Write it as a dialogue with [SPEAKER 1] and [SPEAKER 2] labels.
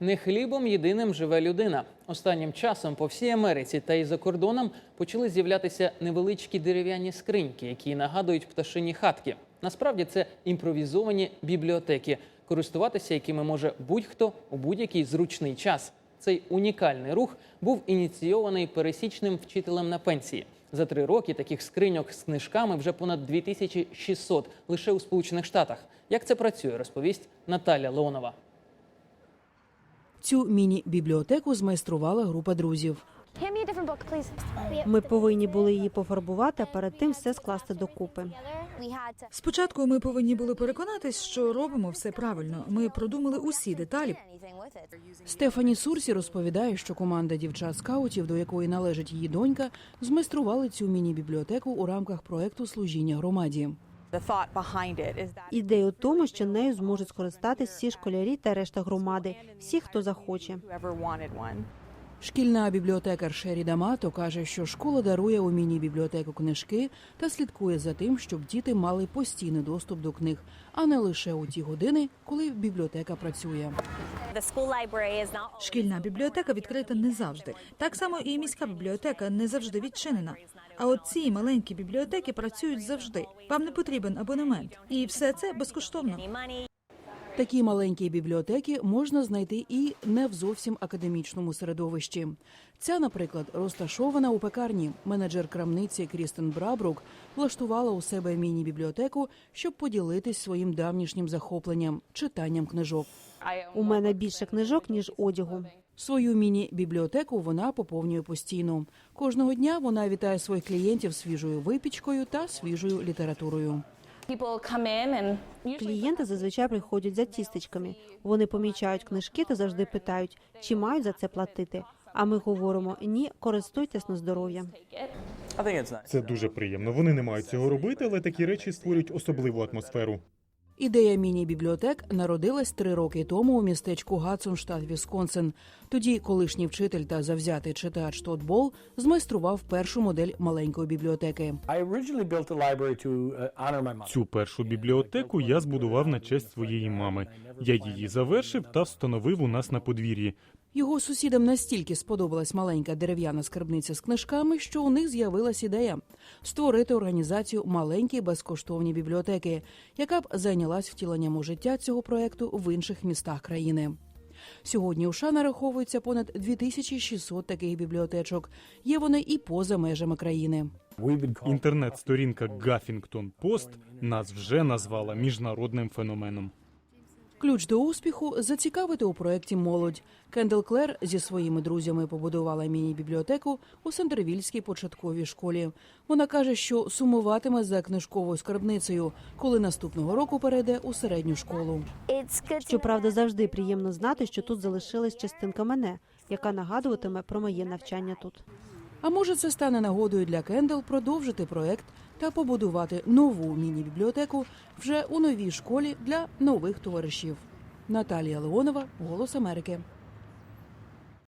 [SPEAKER 1] Не хлібом єдиним живе людина. Останнім часом по всій Америці та й за кордоном почали з'являтися невеличкі дерев'яні скриньки, які нагадують пташині хатки. Насправді це імпровізовані бібліотеки, користуватися якими може будь-хто у будь-який зручний час. Цей унікальний рух був ініційований пересічним вчителем на пенсії. За 3 роки таких скриньок з книжками вже понад 2600 лише у Сполучених Штатах. Як це працює, розповість Наталя Леонова.
[SPEAKER 2] Цю міні-бібліотеку змайструвала група друзів.
[SPEAKER 3] Ми повинні були її пофарбувати, а перед тим все скласти докупи.
[SPEAKER 4] Спочатку ми повинні були переконатись, що робимо все правильно. Ми продумали усі деталі.
[SPEAKER 2] Стефані Сурсі розповідає, що команда дівчат-скаутів, до якої належить її донька, змайстрували цю міні-бібліотеку у рамках проекту «Служіння громаді».
[SPEAKER 3] Ідея у тому, що нею зможуть скористатись всі школярі та решта громади, всі, хто захоче.
[SPEAKER 2] Шкільна бібліотекар Шері Дамато каже, що школа дарує у міні-бібліотеку книжки та слідкує за тим, щоб діти мали постійний доступ до книг, а не лише у ті години, коли бібліотека працює.
[SPEAKER 4] Шкільна бібліотека відкрита не завжди. Так само і міська бібліотека не завжди відчинена. А от ці маленькі бібліотеки працюють завжди. Вам не потрібен абонемент. І все це безкоштовно.
[SPEAKER 2] Такі маленькі бібліотеки можна знайти і не в зовсім академічному середовищі. Ця, наприклад, розташована у пекарні. Менеджер крамниці Крістен Брабрук влаштувала у себе міні-бібліотеку, щоб поділитись своїм давнішнім захопленням – читанням книжок.
[SPEAKER 3] У мене більше книжок, ніж одягу.
[SPEAKER 2] Свою міні-бібліотеку вона поповнює постійно. Кожного дня вона вітає своїх клієнтів свіжою випічкою та свіжою літературою.
[SPEAKER 3] Клієнти зазвичай приходять за тістечками. Вони помічають книжки та завжди питають, чи мають за це платити. А ми говоримо, ні, користуйтесь на здоров'я.
[SPEAKER 5] Це дуже приємно. Вони не мають цього робити, але такі речі створюють особливу атмосферу.
[SPEAKER 2] Ідея міні-бібліотек народилась 3 роки тому у містечку Гадсон, штат Вісконсин. Тоді колишній вчитель та завзятий читач Тодд Болл змайстрував першу модель маленької бібліотеки.
[SPEAKER 5] Цю першу бібліотеку я збудував на честь своєї мами. Я її завершив та встановив у нас на подвір'ї.
[SPEAKER 2] Його сусідам настільки сподобалась маленька дерев'яна скарбниця з книжками, що у них з'явилась ідея – створити організацію «Маленькі безкоштовні бібліотеки», яка б зайнялась втіленням у життя цього проєкту в інших містах країни. Сьогодні у США нараховується понад 2600 таких бібліотечок. Є вони і поза межами країни.
[SPEAKER 5] Інтернет-сторінка Huffington Post нас вже назвала міжнародним феноменом.
[SPEAKER 2] Ключ до успіху – зацікавити у проєкті молодь. Кендел Клер зі своїми друзями побудувала міні-бібліотеку у Сендервільській початковій школі. Вона каже, що сумуватиме за книжковою скарбницею, коли наступного року перейде у середню школу.
[SPEAKER 3] Щоправда, завжди приємно знати, що тут залишилась частинка мене, яка нагадуватиме про моє навчання тут.
[SPEAKER 2] А може, це стане нагодою для Кендел продовжити проєкт та побудувати нову міні-бібліотеку вже у новій школі для нових товаришів. Наталія Леонова, «Голос Америки».